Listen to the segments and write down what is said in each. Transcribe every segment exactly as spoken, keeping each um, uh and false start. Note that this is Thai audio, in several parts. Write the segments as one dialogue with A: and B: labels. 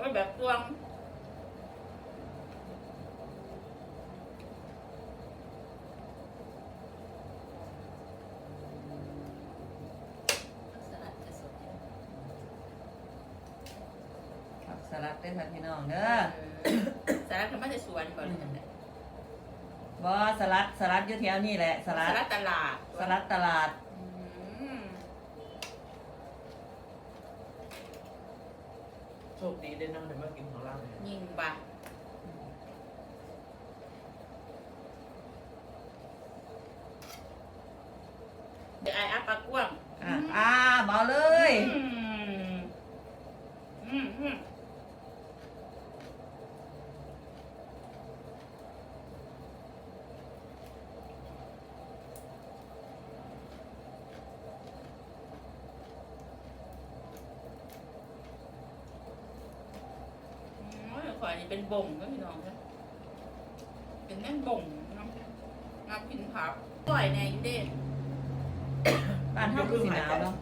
A: ก็แบบตวงสลัดจะสด
B: ผักสลัดด้วยค่ะพี่น้องเด้อ
A: สลัดทำมาจากสวนก่อนเลยจังได๋
B: บ่สลัดสลัดอยู่แถวนี่แหละสลัด
A: สลัดตลาด
B: สลัดตลาด
A: อืม
C: โชคดีได้น้องเดี๋ยวมากินของเราเนี่ย
A: ยิงบะเดี๋ยวไอ้อัปปลากว้าง
B: อ่ะอ่าเบาเลย
A: อืมอืมอืมข่อยนี่เป็นบ่งก็พี่น้องนะเป็นแม่นบ่งน้ำน้ำกินผักปล่อยแน่อยู่เด้
B: บ้านเฮาคือสิหนาวเนาะ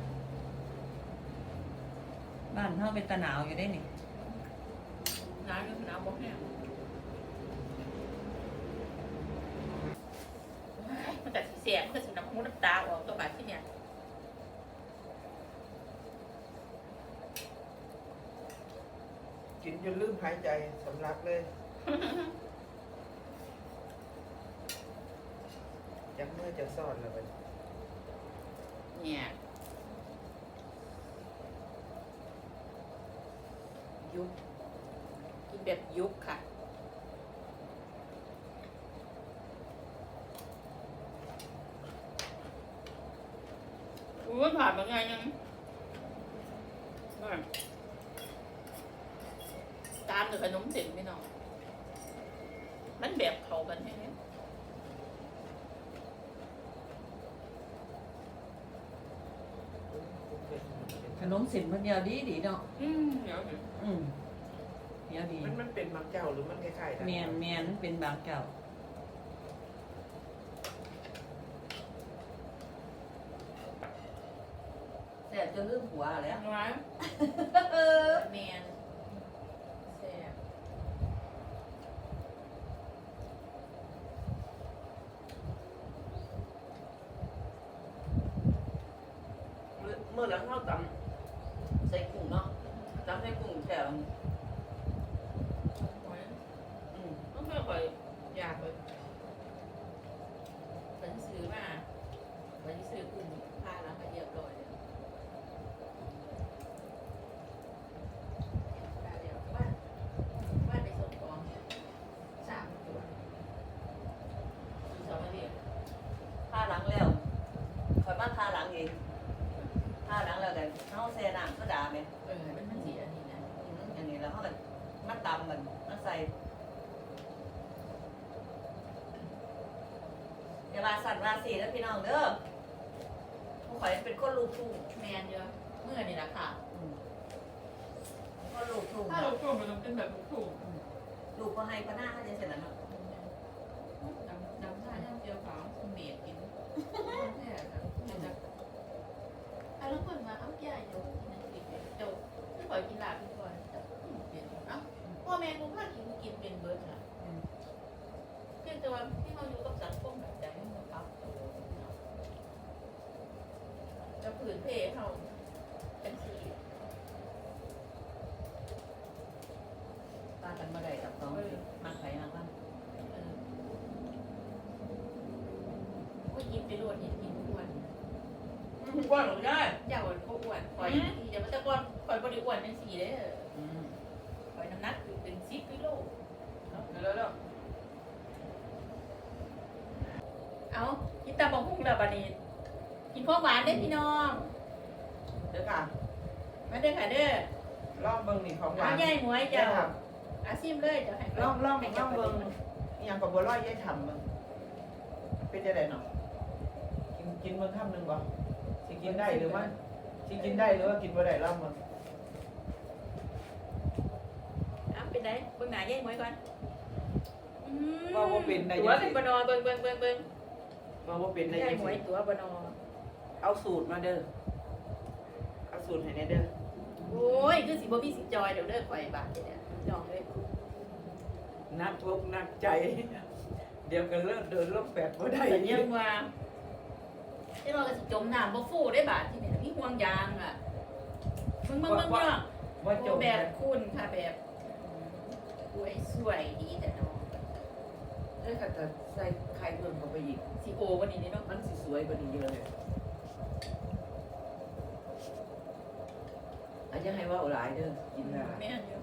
B: บ้านเฮาเป็นตะหนาวอยู่ได้นี่
A: น้ำอยู่น้ำบ่แห้งมันแต่เสียงมันก็สิน้ำมูน้ำตาออกตัวบาดที่เนี่ย
C: กินจนลืมหายใจสำลักเลยจักเมื่อจะซ่อนแล้วไป
A: เนี่ยยุบกินแบบยุบค่ะอู้ยผ่านมาไงยังนั่นตามด้วยขนมเส้นพี่น้องมันแบบเข้ากันใช่ไหม
B: ขนมเส้นมันเดียวดีดีเนาะ
A: อืมเดี๋ยวเดี๋ยว
B: อืมเดียวดี
C: มันมันเป็นบางเจ้าหรือมันคล้ายๆกัน
B: แมนแมนเป็นบางเก่าแต่จะลืมหัวแล้ว
A: น้อยแมนแซ่บ
B: เมื่อแล้วเขาตำใส่กุ้งเนาะตำใส่กุ้งแถว
A: น้อย
B: อืม
A: ต้องค่อยๆอยากเลยฉันซื้อมาวันที่ซื้อกุ้งพาล้างมาเรียบร้อยแล้วได้แล้วบ้านบ้านในส่วนของสามตัวสองมาเรียบ
B: ทาหลังแล้วคอยมาทาหลังเองทาหลังแล้วกันเขาแซ่น้ำก็ด่าไหม
A: เออมันมันสีอันนี้นะ
B: อืมอย่างนี้แล้วเขาก็มาตำมันมาใส่อย่ามาสั่นราสีแล้วพี่น้องเด้อผู้ข่อยเป็นคนลูกทุ่ง
A: แมนเยอะเมื่อนี่แหละค่ะ
B: อืมคนลูกทุ่ง
A: ถ้าเราถูกมันต้องเป็นแบบถูก
B: ลูกก็ให้พระหน้าเขาจะเสร็จแล้วเนาะ
A: ดำดำท่าย่างเจียวขาวเมียกินแค่จะอ่ะแล้วคนมาเอาแก่อยู่กินกินเจ้าไม่ปล่อยกินหลาบพี่ก่อนเปลี่ยนเอ้าพ่อแม่กูพากินกินเป็นเบิร์ดค่ะเพียงแต่ว่าที่เขาอยู่กับสังคมแบบใจไม่เหมือนเขาจะผืนเพเขาเป็นสี
B: ตากันมาได้กับน้องมักไผ่มักบ้าน
A: เออก็ยิ้มไปรวดยิ้มยิ้มอ้วน
B: กว้างหรือได้
A: อย่าอ้วนเขาอ้วนคอยอย่ามาตะกอนคอยบริอ้วนเป็นสีเด้อ
B: อืม
A: คอยน้ำหนักอยู่เป็นสิบกิโล
B: เดี๋ยวเดี๋ยว
A: เอากินตาบองพุ่งแล้วบัดนี้ กินของหวานเด้อพี่น้อง
C: เดี๋ยวค่ะ
A: มาเด้อค่ะเด้อ
C: ลองเบิ่งนี่ของหวา
A: เอา
C: น
A: ใหญ่หมวย
C: ยา
A: เจ้าย
C: ท
A: อาซิมเลยจะให้
C: ำลองลองลองเบิ่งอหย่างกับบัวลอยยายทำเบิ่งเป็นจะไดเนาะกินกินเบิ่งคำหนึ่งบ่สิกินได้หรือว่าสิกินได้หรือว่ากินบ่ได้ลองเบิ่ง
A: เอาเป็นไงเบิ่งหน้าใหญ่หมวยก่อนอืม
C: ว่าบ่เป็นได้
A: ตัว
C: จัง
A: เป็
C: ซี่
A: นบนอเบิ่งเบิ่งเบิ่งเบิ่ง
C: ว่าบ่เป็นได้
A: ใหญ่
C: จัง
A: หมวย
C: ซี่
A: ตัวบนอ
C: เอาสูตรมาเด้อเอาสูตรให้แน่เด้อ
A: โอ้โอ้ยคือสิบ่มีสิจอยเดี๋ยวเลิกข่อยบาทเนี่ยจองเลย
C: นักทุกข์นักใจ เดี๋ยวกันเลิกเดินลบแปดบ่ได้
A: แต่ยังว่าที่เราก็สิจมน้ำบ่ฟูได้บาทที่นี่มีห่วงยางอ่ะมึงมึงมึงเนาะ
C: ว่าจบ
A: แบบคุณค่ะแบบสวยสวยดีแต่น้อง
C: ได้ค่ะแต่ใส่ไข่เพิ่มเข้าไปอีก
A: สีโอวันนี้นี่เนาะ
C: มันสิสวยกว่านี้เยอะเลยอาจจะให้ว่าหลายเด้อกินได้
A: แม่นอยู่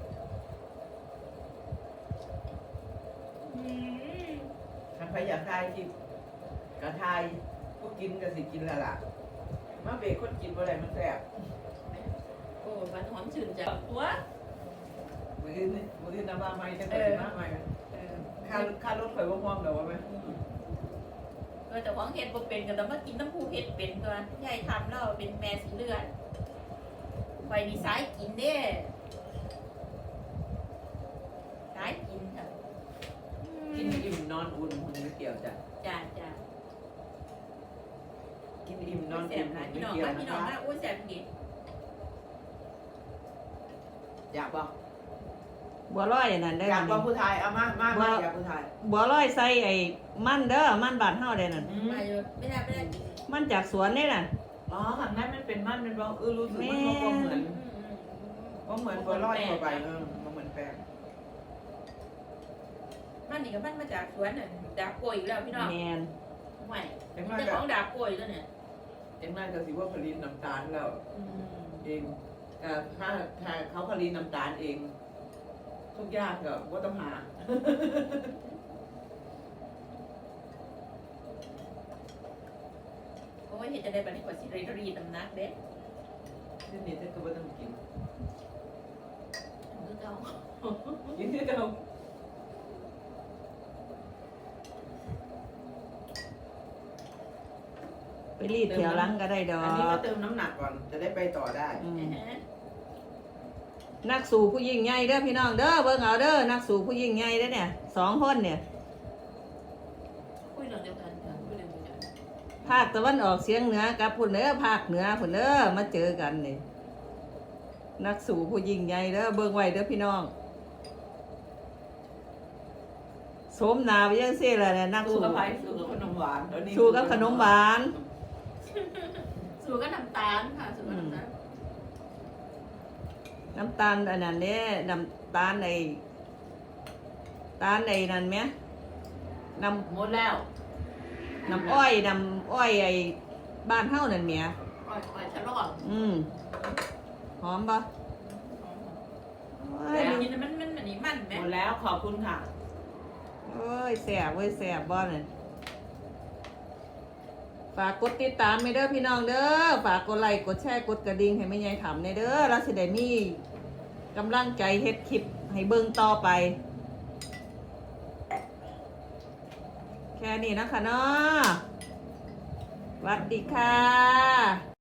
A: อืม
C: ถ้าใครอยากทายกินกระทายผู้กินก็สิกินและล่ะมาเบรกคนกินบ่ได้มันแซ่บ
A: โอ้มันหอมชื่นจังตัว
C: มื้อนี้มื้อนี้น้ำว่าใหม่จังสิมาใหม่
A: เออ
C: ค่าค่ารถข่อยบ่พร้อมดอกว่าแม่
A: เออแต่ของเฮ็ดบ่เป็นก็ต้องมากินน้ำผู้เฮ็ดเป็นตัวยายทำแล้วเป็นแม่สีเลือดไฟดีสายกินเด้สายกินค่ะ
C: กินอิ่มนอนอุ่นหุ่นไม่เกี่ยวจ้ะ
A: จ้าจ้า
C: กินอิ่มนอน
A: แส
C: อุ่
A: บ
C: น
A: หลาย
C: ไม่
A: พี่น้อง
C: เกี่ยว
A: มา
C: นะ
A: พี่น้อง
C: คะ
A: มาอุ้ยแสบดี
C: อยากบ่
D: บัวลอยอันนั่นได้
C: อยาก
D: อ
C: บ่ผู้ชายเอามามามาอยากผู้ชาย
D: บัวลอยใส่ไอ้มันเด้อมันบานเฮาได้นั่น
C: อืม
A: มาอยู่ไม่ได้ไม่ได้กิน
D: มันจากสวนนี่น่ะ
C: อ๋อข้างในมันเป็นมันเป็นบ่เออรู้สึกมันบ่เหมือน
A: อืมอืม
C: บ่เหมือนบัวลอยทั่วไปเออบ่เหมือนแป้ง
A: มันนี่ก็มันมาจากสวนน่ะดาบกล้วยอยู่แล้วพี่น้อง
D: แมน
A: ใหม่
C: จังน้อย
A: เจ้า
C: ก็
A: ของดาบกล้วยแล้วเนี่ย
C: จังน้อยก็สิว่าผลิตน้ำตาลแล้ว
A: อืม
C: เองอ่าถ้าถ้าเขาผลิตน้ำตาลเอง ทุกอย่างก็บ่ต้องหา
A: เพราะว่าเห็นจะได้บัดนี้กว่าสิรีรีดน้ำหนักเด้
C: ทีนี้เธอก็บ่ต้องกิน
A: คือเก่า
C: กินที่เดิม
D: ไปรีดเที่ยวหลังก็ได้ดอ
C: อันนี้ก็
D: ก
C: เติมน้ำหนักก่อนจะได้ไปต่อได้
D: อืม
A: นะฮะ
D: นักสู่ผู้ยิ่งใหญ่เด้อพี่น้องเด้อเบิ่งเอาเด้อนักสู่ผู้ยิ่งใหญ่เด้อเนี่ยสองคนเนี่ย
A: คุยเรื่องเดียวกันค่ะคุยเรื่องเดียวกัน
D: ภาคตะวันออกเฉียงเหนือกับพุ่นเด้อภาคเหนือพุ่นเด้อมาเจอกันนี่นักสู่ผู้ยิ่งใหญ่เด้อเบิ่งไว้เด้อพี่น้องสมนาไปยังซี่ล่ะเนี่ยนัก
C: สู้
D: สู่
C: กับไผ่สู้กับขนมหวานตอนนี้
D: สู่กับขนมหวาน
A: สูก็น้ำตาลค่ะสูก็น้ำตาล
D: น้ำตาลอันนั้นเนี่ยน้ำตาลในตาลในนั่นไหมน้
C: หมดแล้ว
D: ำน้ำอ้อยน้ำอ้อยไอ้บ้านเฮานั่นเมีย
A: ปล่อยปล่อยฉลอง
D: อืมหอมปะโอ้
A: แต่
D: ย
A: กินมันมันมันนี่มันไหม
C: หมดแล้วขอบคุณค่ะ
D: โอ้ยแสบเว้ยแสบบ่เนี่ยฝากกดติดตามไม่เด้อพี่น้องเด้อฝากกดไลค์กดแชร์กดกระดิ่งให้แม่ยายถามในเด้อเราสิได้มีกำลังใจเฮ็ดคลิปให้เบิ่งต่อไป แค่นี้นะคะเนาะสวัสดีค่ะ